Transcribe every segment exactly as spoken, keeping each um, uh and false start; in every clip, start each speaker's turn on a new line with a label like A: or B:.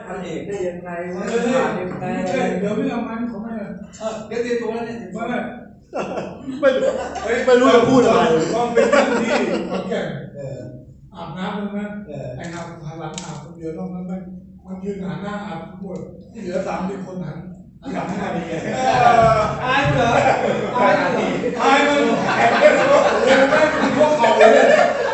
A: พันเอกได้ยังไงวะผ่านยังไง
B: เดี๋ยวไม่เอามันเขาไม่
A: เดี๋ยวเตรียมตัวแล้วเนี่ย
B: ไม่
C: ไม่ไม่รู้จะพูดอะไร
B: ต้องเป็นเรื่องที่คนแก่อาบน้ำมันนะไอ้อาบพลังอาบคนเดียวต้องมันมันยืนหันหน้าอาบหมดเหลือสามสิบคนหันหันหน้าดีไง
A: อายเหรออายเหรอ
B: อายมันแอบไม่รู้ไม่เป็นพวกเขาเลย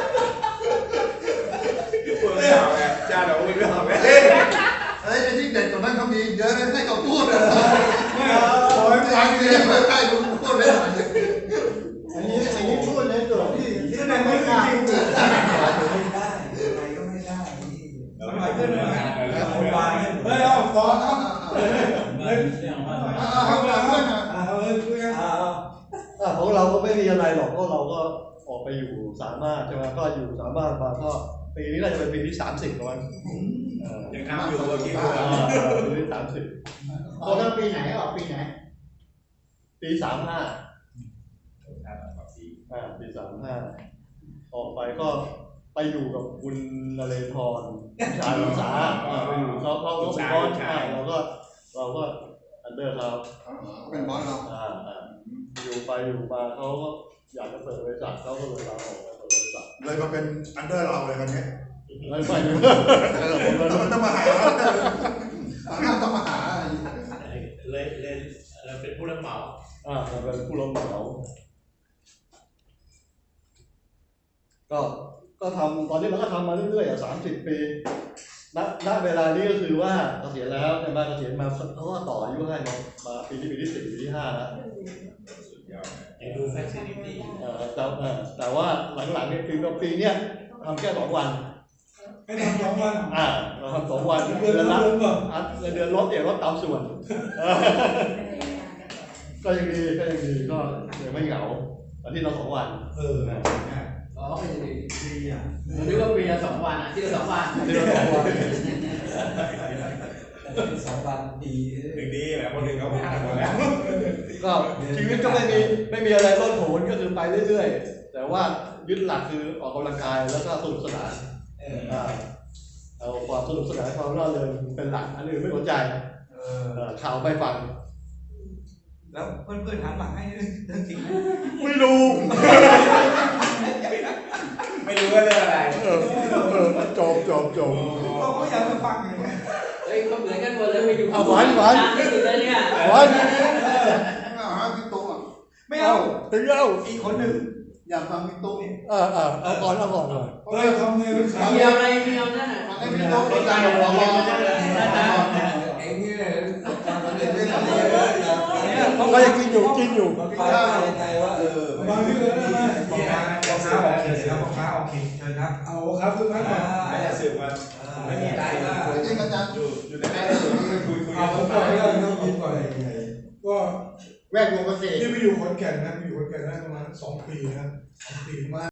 D: พวกเขาไงจ้าเราไม่รู้ไหม
E: เฮ้ยไอ้ที่เด็ดตรงนั้นเขามีเยอะนะให้เขาพูดนะ
B: ไม่เอาไม่
E: ฟังเลยไม่ใช่ลุงพูดเลย
C: อันนี้อันนี้พูดในส่วนที่
B: ที่ไหนไม่จริง
A: ไม่ได้อะไรก็ไม่ได้ทำไมขึ้นมาคนวาย
B: เฮ้ยเอาต่อครับ
A: เฮ้ยเฮ้ย
B: เอาเรื่องนะเอาเรื่องคุยกัน
C: ของเราก็ไม่มีอะไรหรอกเพราะเราก็ออกไปอยู่สามารถใช่ไหมก็อยู่สามารถมาก็ปีนี้น่าจะเป็นปีที่สามสิบแล้วมั้ง
D: ยังทำอยู่ว่ากี่
C: ปีที่สามสิบ
E: ตอนนั้นปีไหนออกปีไหน
C: ปีสามห้าอ่าปีสามห้าออกไปก็ไปอยู่กับคุณนเรศรชาญสาไปอยู่เขาเขาเขาเป็นบอสใช่เราก็เราก็อันเดอร์เขา
E: เป็นบอสเรา
C: อ่าอ่าอยู่ไปอยู่มาเขาก็อยากจะเปิดบริษัทเขาก็เลยลาออกมาเปิดบริษัท
E: เลยมาเป็นอันเดอร์เราเลยกันเนี้ย
C: ไม่ไม่
E: ผมต้องมาหาต้องมาหา
D: เลยเลยเราเป็นผู้รับเหมา
C: อ่าเป็นผู้รับเหมาก็ก็ทำตอนนี้เราก็ทำมาเรื่อยๆอ่ะสามสิบปีณณเวลานี้ก็คือว่าเกษียณแล้วในบ้านเกษียณมาเขาก็ต่ออายุให้มามาปีที่ปีที่สี่ปีที่ห้าแล้ว
D: ไอ้ดูแฟชั่นนี่
C: เออแต่แต่ว่าหลังๆเนี่ยคือปีเนี้ยทำแค่สองวัน
B: ให้ทำสองวัน
C: อ่าเราทำสองวันเดือนละเดือนลดเนี่ยลดตามส่วนก็ยังดีก็ยังดีก็ยังไม่เหงาอาทิตย์ละสองวัน
B: เออ
A: อ๋อไม่ใช่ปีอ่ะผมนึกว่าปีละสองวันอ่ะที่ละสองวัน
C: ที่ละสองวัน
A: สองวันดี
D: ถึงดีแหละคนหนึ่งเขาผ่านหมดแล้ว
C: ก็ชีวิตก็ไม่มีไม่มีอะไรโลดโผนก็คือไปเรื่อยๆแต่ว่ายึดหลักคือออกกำลังกายแล้วก็สนุกสนานเอาความสนุกสนานความร่าเริงเป็นหลักอันอื่นไม่สนใจข่าวไม่ฟัง
A: แล้วเพื่อนๆถามหลังให้เรื่องจริงไหม
C: ไม่รู้
D: ไม่รู้ว่าเรื่องอะไร
C: จบจบจบ
A: เราก็อยากไปฟังอย่างนี้เฮ้ยเขาเหมือนกันหมดเลยไปอยู่
C: หวานหวาน
A: ที่สุดเลยเนี่ย
C: หวาน
E: ไม่เอาพี่ตุ๊ก
A: ไม่เอา
C: ถึงเอา
A: อีกคนหนึ่ง
E: อยากฟังพี่ตุ๊กนี่
C: เออเออเอาก่อนเอาก่อนเลย
B: เฮ้ยทำไงเป็น
A: ข่าวเดียวอะไรเดียวนั่น
E: ฟังให้พี่ตุ๊กเข้าใจหรอก
A: เองนี่
C: ก็ยังกินอยู่กินอยู่
A: ฟังใจว่าเออบาง
B: ทีเลยนะ
A: พ่อค้าพ่อค้าโอเคครับพ่อค้าโอเคเชิญครับ
B: เอาครับทุกท่าน
D: ไม่ได้สืบมา
A: ไม่มีอะไรว่า
E: จริงอาจารย์
D: อยู่อยู่ในนั้นคุยคุย
B: เอาผมบอกให้เราต้องยินก่อนก็
E: แวดวงเกษตร
B: ที่ไปอยู่ขอนแก่นนะไปอยู่ขอนแก่นได้ประมาณสองปีนะสองปีมา